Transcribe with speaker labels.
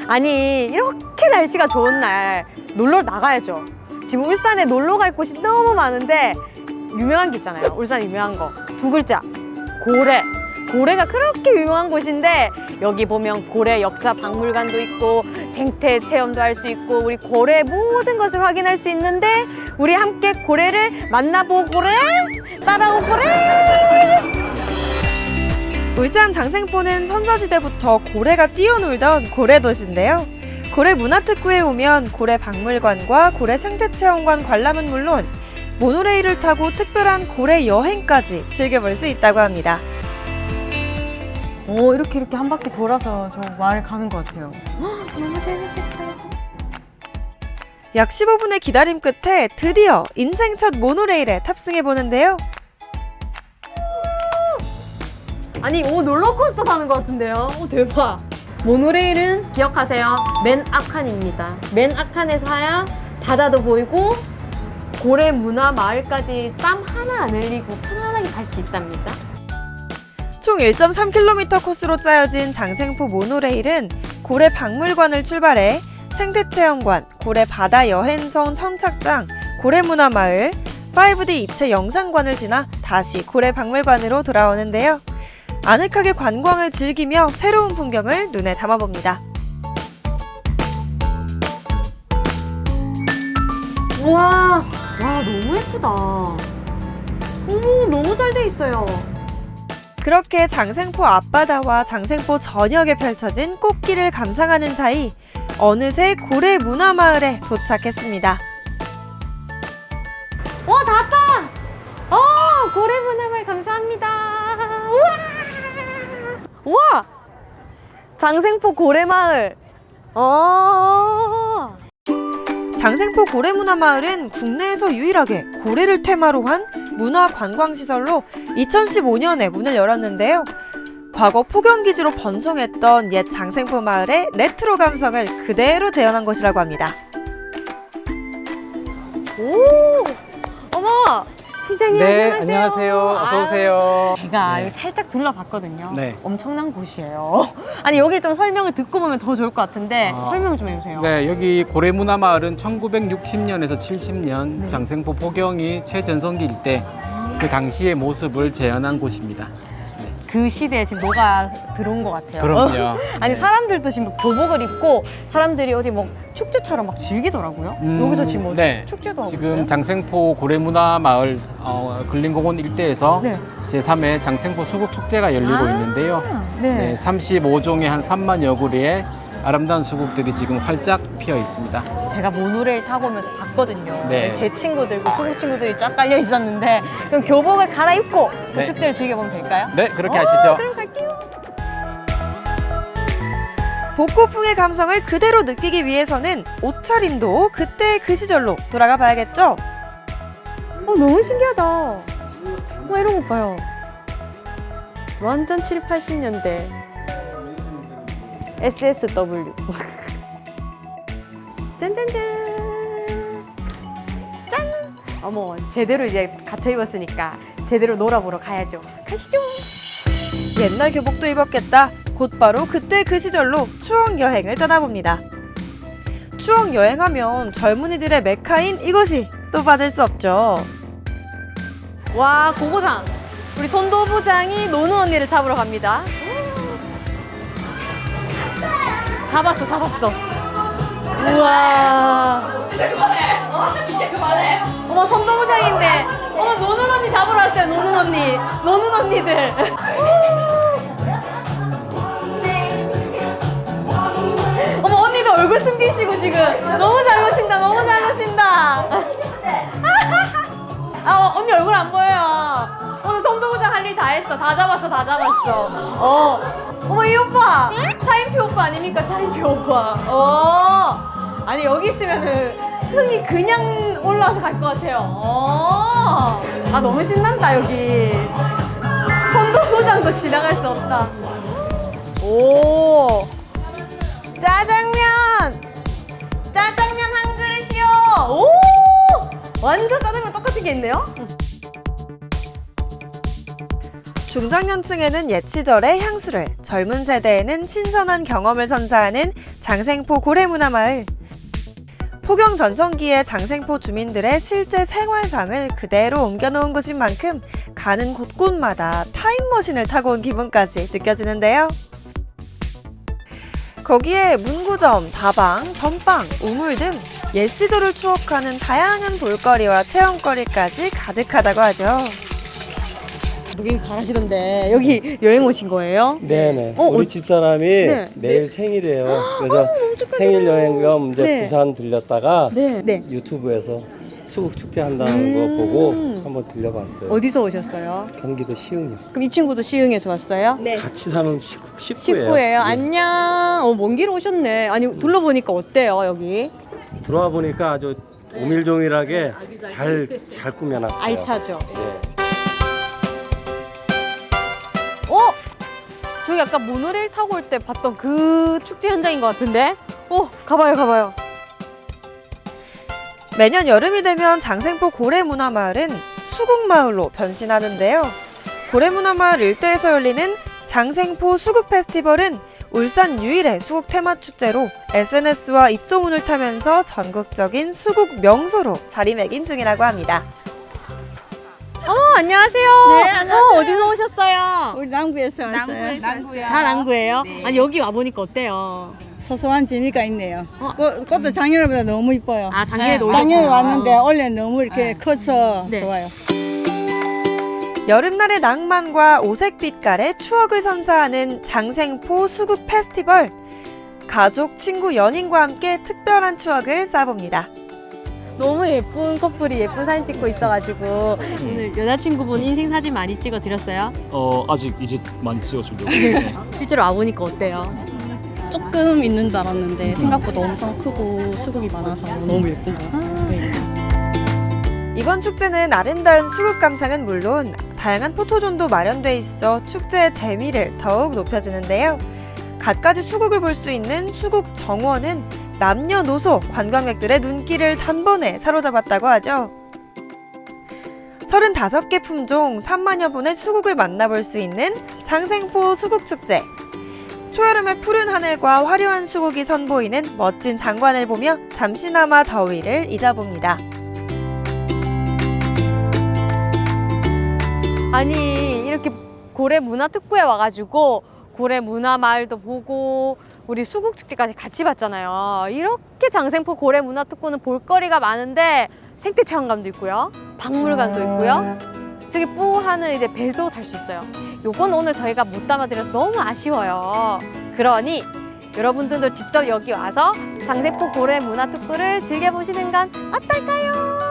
Speaker 1: 아니 이렇게 날씨가 좋은 날 놀러 나가야죠. 지금 울산에 놀러 갈 곳이 너무 많은데 유명한 게 있잖아요. 울산 유명한 거 두 글자 고래. 고래가 그렇게 유명한 곳인데 여기 보면 고래 역사 박물관도 있고 생태 체험도 할 수 있고 우리 고래 모든 것을 확인할 수 있는데 우리 함께 고래를 만나보고래 따라오고래.
Speaker 2: 울산 장생포는 선사시대부터 고래가 뛰어놀던 고래도시인데요. 고래 문화특구에 오면 고래 박물관과 고래 생태체험관 관람은 물론 모노레일을 타고 특별한 고래 여행까지 즐겨볼 수 있다고 합니다.
Speaker 1: 오, 이렇게 한 바퀴 돌아서 저 마을 가는 것 같아요. 너무 재밌겠다.
Speaker 2: 약 15분의 기다림 끝에 드디어 인생 첫 모노레일에 탑승해 보는데요.
Speaker 1: 아니, 롤러코스터 타는 것 같은데요? 대박. 모노레일은 기억하세요. 맨 앞칸입니다. 맨 앞칸에서 하야 바다도 보이고 고래 문화 마을까지 땀 하나 안 흘리고 편안하게 갈 수 있답니다.
Speaker 2: 총 1.3km 코스로 짜여진 장생포 모노레일은 고래 박물관을 출발해 생태체험관, 고래 바다 여행선 선착장, 고래문화마을, 5D 입체 영상관을 지나 다시 고래 박물관으로 돌아오는데요. 아늑하게 관광을 즐기며 새로운 풍경을 눈에 담아봅니다.
Speaker 1: 우와, 와 너무 예쁘다. 너무 잘 돼 있어요.
Speaker 2: 그렇게 장생포 앞바다와 장생포 전역에 펼쳐진 꽃길을 감상하는 사이 어느새 고래 문화마을에 도착했습니다.
Speaker 1: 와, 다 왔다! 고래 문화마을 감사합니다. 우와! 장생포 고래마을.
Speaker 2: 장생포 고래문화마을은 국내에서 유일하게 고래를 테마로 한 문화관광시설로 2015년에 문을 열었는데요. 과거 포경기지로 번성했던 옛 장생포 마을의 레트로 감성을 그대로 재현한 곳이라고 합니다.
Speaker 1: 오! 어머! 팀장님
Speaker 3: 네,
Speaker 1: 안녕하세요.
Speaker 3: 안녕하세요. 어서 오세요.
Speaker 1: 제가
Speaker 3: 네.
Speaker 1: 여기 살짝 둘러봤거든요.
Speaker 3: 네.
Speaker 1: 엄청난 곳이에요. 아니 여기 좀 설명을 듣고 보면 더 좋을 것 같은데 설명 좀 해주세요.
Speaker 3: 네, 여기 고래문화마을은 1960년에서 70년
Speaker 1: 네.
Speaker 3: 장생포 포경이 최전성기일 때 그 당시의 모습을 재현한 곳입니다.
Speaker 1: 그 시대에 지금 뭐가 들어온 것 같아요.
Speaker 3: 그럼요.
Speaker 1: 아니
Speaker 3: 네.
Speaker 1: 사람들도 지금 뭐 교복을 입고 사람들이 어디 뭐 축제처럼 막 즐기더라고요. 여기서 지금 뭐
Speaker 3: 네.
Speaker 1: 축제도 하고
Speaker 3: 지금
Speaker 1: 있어요?
Speaker 3: 장생포 고래문화마을 근린공원 일대에서
Speaker 1: 네.
Speaker 3: 제3회 장생포 수국축제가 열리고 있는데요.
Speaker 1: 네.
Speaker 3: 네, 35종의 한 3만여 구리의 아름다운 수국들이 지금 활짝 피어 있습니다.
Speaker 1: 제가 모노레일 타고 오면서 봤거든요.
Speaker 3: 네.
Speaker 1: 제 친구들, 그 수국 친구들이 쫙 깔려 있었는데 그럼 교복을 갈아입고 그
Speaker 3: 네.
Speaker 1: 축제를 즐겨보면 될까요?
Speaker 3: 네, 그렇게 하시죠.
Speaker 1: 그럼 갈게요.
Speaker 2: 복고풍의 감성을 그대로 느끼기 위해서는 옷차림도 그때 그 시절로 돌아가 봐야겠죠?
Speaker 1: 너무 신기하다. 이런 거 봐요. 완전 7, 80년대. SSW. 짠짠짠. 짠! 어머, 제대로 이제 갇혀 입었으니까 제대로 놀아보러 가야죠. 가시죠.
Speaker 2: 옛날 교복도 입었겠다. 곧바로 그때 그 시절로 추억 여행을 떠나봅니다. 추억 여행하면 젊은이들의 메카인 이곳이 또 빠질 수 없죠.
Speaker 1: 와, 고고장. 우리 손도부장이 노는 언니를 잡으러 갑니다. 잡았어. 우와. 이제 그만해. 어머, 손도부장인데. 어머, 노는 언니 잡으러 왔어요, 노는 언니. 노는 언니들. 어머, 언니도 얼굴 숨기시고 지금. 너무 잘 노신다. 언니 얼굴 안 보여요. 오늘 손도부장 할 일 다 했어. 다 잡았어. 어머, 이 오빠. 차인표 오빠 아닙니까? 차인표 오빠. 아니, 여기 있으면은 흥이 그냥 올라와서 갈 것 같아요. 너무 신난다, 여기. 손도부장도 지나갈 수 없다. 오. 짜장면 한 그릇이요. 오. 완전 짜장면 똑같은 게 있네요.
Speaker 2: 중장년층에는 옛 시절의 향수를, 젊은 세대에는 신선한 경험을 선사하는 장생포 고래문화마을. 포경 전성기의 장생포 주민들의 실제 생활상을 그대로 옮겨놓은 곳인 만큼 가는 곳곳마다 타임머신을 타고 온 기분까지 느껴지는데요. 거기에 문구점, 다방, 전빵, 우물 등 옛 시절을 추억하는 다양한 볼거리와 체험거리까지 가득하다고 하죠.
Speaker 1: 무빙 잘하시던데 여기 여행 오신 거예요?
Speaker 4: 네네.
Speaker 1: 어,
Speaker 4: 우리
Speaker 1: 어,
Speaker 4: 집사람이
Speaker 1: 네.
Speaker 4: 내일 생일이에요. 그래서 생일 여행 겸 이제
Speaker 1: 네.
Speaker 4: 부산 들렸다가
Speaker 1: 네.
Speaker 4: 유튜브에서 수국 축제 한다는 거 보고 한번 들려봤어요.
Speaker 1: 어디서 오셨어요?
Speaker 4: 경기도 시흥이요.
Speaker 1: 그럼 이 친구도 시흥에서 왔어요?
Speaker 5: 네.
Speaker 4: 같이 사는 식구예요.
Speaker 1: 식구예요. 안녕. 먼 길 오셨네. 아니 둘러보니까 어때요 여기?
Speaker 4: 들어와 보니까 아주 오밀조밀하게 잘 꾸며놨어요.
Speaker 1: 알차죠.
Speaker 4: 네.
Speaker 1: 저기 아까 모노레일 타고 올 때 봤던 그 축제 현장인 것 같은데? 가봐요.
Speaker 2: 매년 여름이 되면 장생포 고래문화마을은 수국마을로 변신하는데요. 고래문화마을 일대에서 열리는 장생포 수국 페스티벌은 울산 유일의 수국 테마 축제로 SNS와 입소문을 타면서 전국적인 수국 명소로 자리매김 중이라고 합니다.
Speaker 1: 안녕하세요.
Speaker 5: 네, 안녕하세요.
Speaker 1: 어디서 오셨어요?
Speaker 5: 우리 남구에서 왔어요.
Speaker 1: 다 남구예요? 아니 여기 와보니까 어때요?
Speaker 5: 소소한 재미가 있네요. 꽃도 작년보다 너무 이뻐요.
Speaker 1: 아, 작년에도
Speaker 5: 작년에
Speaker 1: 오셨구나.
Speaker 5: 왔는데 올해 너무 이렇게 커서
Speaker 1: 네.
Speaker 5: 좋아요.
Speaker 2: 여름날의 낭만과 오색빛깔의 추억을 선사하는 장생포 수국 페스티벌. 가족, 친구, 연인과 함께 특별한 추억을 쌓아봅니다.
Speaker 1: 너무 예쁜 커플이 예쁜 사진 찍고 있어가지고 오늘 여자친구분 인생 사진 많이 찍어드렸어요?
Speaker 6: 아직 이제 많이 찍어주려고. 네.
Speaker 1: 실제로 와보니까 어때요?
Speaker 7: 조금 있는 줄 알았는데 생각보다 엄청 크고 수국이 많아서 너무 예쁜 것 같아요. 네.
Speaker 2: 이번 축제는 아름다운 수국 감상은 물론 다양한 포토존도 마련돼 있어 축제의 재미를 더욱 높여주는데요. 갖가지 수국을 볼 수 있는 수국 정원은 남녀노소 관광객들의 눈길을 단번에 사로잡았다고 하죠. 35개 품종 3만여 분의 수국을 만나볼 수 있는 장생포 수국축제. 초여름의 푸른 하늘과 화려한 수국이 선보이는 멋진 장관을 보며 잠시나마 더위를 잊어봅니다.
Speaker 1: 아니 이렇게 고래 문화특구에 와가지고 고래 문화마을도 보고 우리 수국축제까지 같이 봤잖아요. 이렇게 장생포 고래 문화특구는 볼거리가 많은데 생태 체험관도 있고요, 박물관도 있고요. 저기 뿌하는 이제 배도 탈 수 있어요. 요건 오늘 저희가 못 담아드려서 너무 아쉬워요. 그러니 여러분들도 직접 여기 와서 장생포 고래 문화특구를 즐겨보시는 건 어떨까요?